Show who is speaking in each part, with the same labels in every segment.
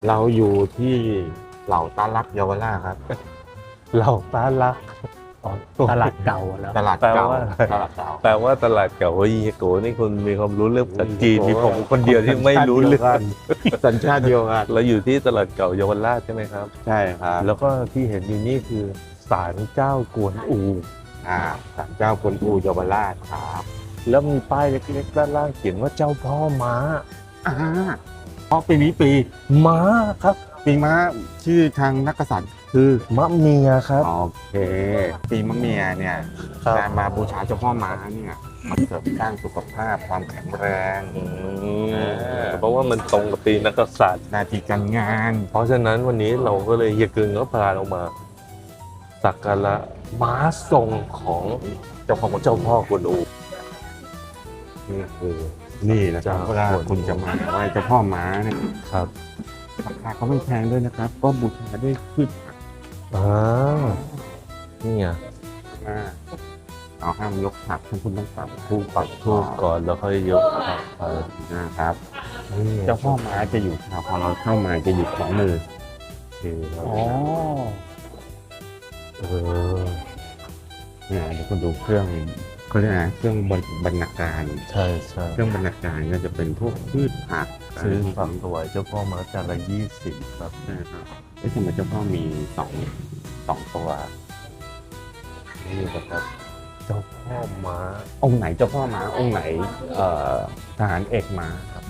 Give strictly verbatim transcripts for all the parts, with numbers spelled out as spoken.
Speaker 1: เราอยู่ที่เหล่าตาลักเยาวราชครับ
Speaker 2: เหล่าตาลักอ๋อตลาดเก่าแล้ว
Speaker 1: ตลาด
Speaker 2: แปล
Speaker 1: เก่า
Speaker 2: ว่า
Speaker 1: ตลาดเก่า
Speaker 2: แปลว่าตลาดเก่าเฮ้ยเฮียโกนี่คุณมีความรู้เรื่องภาษาจีนมีผมคนเดียวที่ไม่รู้เรื่อง
Speaker 1: สัญชาติเดียวกัน
Speaker 2: เราอยู่ที่ตลาดเก่าเยาวราชใช่ไหมครับ
Speaker 1: ใช่ครับ
Speaker 2: แล้วก็ที่เห็นอยู่นี่คือศาลเจ้ากวนอู
Speaker 1: อ่าศาลเจ้ากวนอูเยาวราชครับ
Speaker 2: แล้วมีป้ายเล็กๆด้านล่างเขียนว่าเจ้าพ่อม้า
Speaker 1: อ่าเพราะปีนี้ปี
Speaker 2: ม้าครับ
Speaker 1: ปีม้าชื่อทางนักกษัตริย์คือ
Speaker 2: มะเมียครับ
Speaker 1: โอเค ปีมะเมียเนี่ย
Speaker 2: ครับ
Speaker 1: การมาบูชาเจ้าพ่อม้าเนี่ยมันเสริมสร้างสุขภาพความแข็งแรง
Speaker 2: อืมเพราะว่ามันตรงกับปีนักกษัตริย์
Speaker 1: หนาทีการงาน
Speaker 2: เพราะฉะนั้นวันนี้เราก็เลยเฮียกึงก็พาเรามาสักการะม้าทรงของเจ้าของเจ้าพ่อกวนอู
Speaker 1: นี่คือนี่นะครับ
Speaker 2: เจ้า
Speaker 1: เวลาคุณจะมาไหว้เจ้าพ่อม้าเนี่ย
Speaker 2: ครับ
Speaker 1: ราคาก็ไม่แพงด้วยนะครับ ก็บูชาด้วยพืชผัก
Speaker 2: อ่านี่ไง
Speaker 1: มาเอาห้ามยกผักท่านคุณต้องปักทูป
Speaker 2: ปักทูบก่อนแล้วค่อยยกผักไป
Speaker 1: นะครับ
Speaker 2: นี่
Speaker 1: เจ้าพ่อม้าจะอยู่พอเราเข้ามาจะอยู่ขวามือ
Speaker 2: โอเคครับ
Speaker 1: อ๋อ
Speaker 2: เออ
Speaker 1: เนี่ยเดี๋ยวคุณดูเครื่องเขาเรียกนะเครื่องบรรบรรณาการ
Speaker 2: ใช่ใช่
Speaker 1: เครื่องบรรณาการก็จะเป็นพวกพืชผัก
Speaker 2: ซื้อฝักถวายเจ้าพ่อมาจานละยี่สิบครับ
Speaker 1: นะครับเอ๊ะทำไมเจ้าพ่อมีสองสองตัว
Speaker 2: นี่นะครับเจ้าพ่อม้า
Speaker 1: องค์ไหนเจ้าพ่อม้าองค์ไหนเอ่อทหารเอกม้าครับ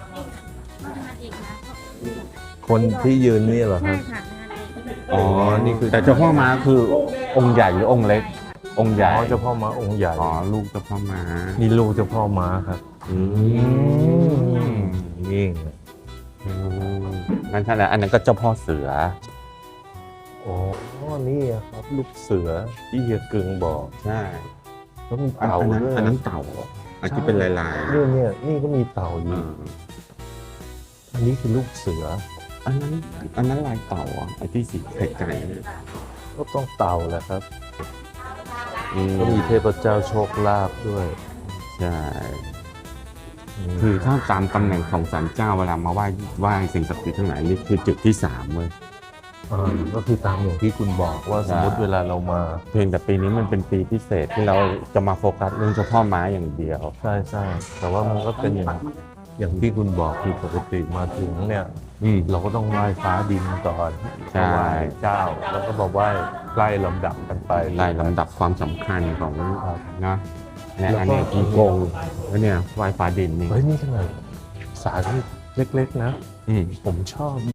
Speaker 2: คนที่ยืนนี่เหรอค
Speaker 3: ใช่
Speaker 2: รับ
Speaker 3: ค่ะ
Speaker 1: อ๋อ
Speaker 2: นี่คือ
Speaker 1: แต่เจ้าพ่อม้าคือองค์ใหญ่หรือองค์เล็ก องค์ให
Speaker 2: อ๋
Speaker 1: ญ่
Speaker 2: อเจ้าพ่อม้าองค์ใหญ่
Speaker 1: อ๋อลูกเจ้าพ่อม้า
Speaker 2: นี่ลูกเจ้าพ่อม้าครับ
Speaker 1: อืม
Speaker 2: นี่ไง
Speaker 1: อืมนั่นใช่แล้วอันนั้นก็เจ้าพ่อเสือ
Speaker 2: อ๋อนี่อะครับ ลูกเสือที่เฮียกึงบอก
Speaker 1: ใช่
Speaker 2: แล้วมี
Speaker 1: อัน
Speaker 2: เต่า
Speaker 1: นั้น
Speaker 2: ด้วย
Speaker 1: อันนั้นเต่าอันที่เป็นลายลาย
Speaker 2: เนี่ยเนี่ยนี่ก็มีเต่าอยู่ อันนี้คือลูกเสือ
Speaker 1: อันนั้นอันนั้นลายเต่าอ่ะไอ้ที่สีไข่ไก่เนี่ย
Speaker 2: ก็ต้องเต่าแหละครับ
Speaker 1: อืม
Speaker 2: ก็มีเทพเจ้าโชคลาภด้วย
Speaker 1: ใช่
Speaker 2: ม
Speaker 1: คือถ้าตามตำแหน่งของศาลเจ้าเวลามาไหว้ไหว้สิ่งศักดิ์สิทธิ์ทั้งหลายนี่คือจุดที่สามเว้ย
Speaker 2: อ่าก็คือตามอย่างที่คุณบอกว่าสมมติ
Speaker 1: ใช่
Speaker 2: เวลาเรามา
Speaker 1: เพียงแต่ปีนี้มันเป็นปีพิเศษที่เราจะมาโฟกัสเรื่องเจ้าพ่อม้าอย่างเดียว
Speaker 2: ใช่ใช่แต่ว่ามันก็เป็นอย่างอย่างที่คุณบอกคือปกติมาถึงเนี่ย
Speaker 1: อืม
Speaker 2: เราก็ต้องไหว้ฟ้าดินก่อน
Speaker 1: ใช่
Speaker 2: ไหว้เจ้า แล้วก็มาไหว้ไล่ลำดับกันไป
Speaker 1: ไล่ลำดับความสำคัญของ
Speaker 2: ครับ
Speaker 1: นะเนี่ย
Speaker 2: แล้วก็
Speaker 1: อันเนี้ยกีโกงแล้วเนี่ยไหว้ฟ้าดินนี่
Speaker 2: เฮ้ยนี่ขนาดสารเล็กๆนะ
Speaker 1: อืม
Speaker 2: ผมชอบ